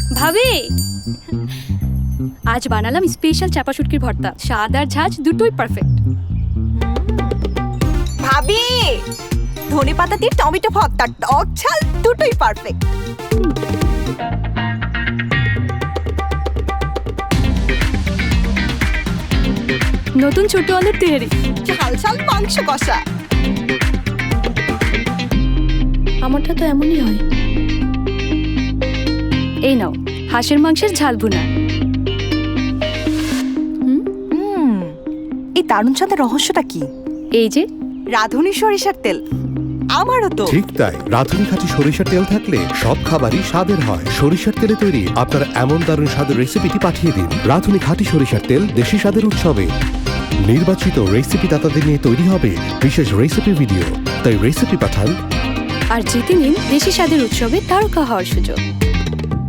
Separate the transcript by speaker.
Speaker 1: ভাবি, আজ বানালাম স্পেশাল চাপা শুটকির ভর্তা। স্বাদ আর ঝাঁজ দুটোই পারফেক্ট।
Speaker 2: ভাবি, ধনেপাতা দিয়ে টমেটো ভর্তা, টক ঝাল দুটোই পারফেক্ট।
Speaker 1: নতুন ছোট আলুর তেহারি,
Speaker 2: ঝাল ঝাল মাংস কষা।
Speaker 1: আমারটা তো এমনই হয়। এই নাও হাঁসের মাংসের ঝাল ভুনা।
Speaker 2: এই দারুণ স্বাদের রহস্যটা কি?
Speaker 1: এই যে
Speaker 2: রাঁধুনি সরিষার তেল। আমারও তো।
Speaker 3: ঠিক তাই, রাঁধুনি খাঁটি সরিষার তেল থাকলে সব খাবারই স্বাদের হয়। সরিষার তেলে তৈরি আপনার এমন দারুণ স্বাদের রেসিপিটি পাঠিয়ে দিন। রাঁধুনি খাঁটি সরিষার তেল, দেশি স্বাদের উৎসবে। নির্বাচিত রেসিপি দাতাদের নিয়ে তৈরি হবে বিশেষ রেসিপি ভিডিও, তাই রেসিপি পাঠান
Speaker 1: আর জিতে নিন দেশি স্বাদের উৎসবে তারকা হওয়ার সুযোগ।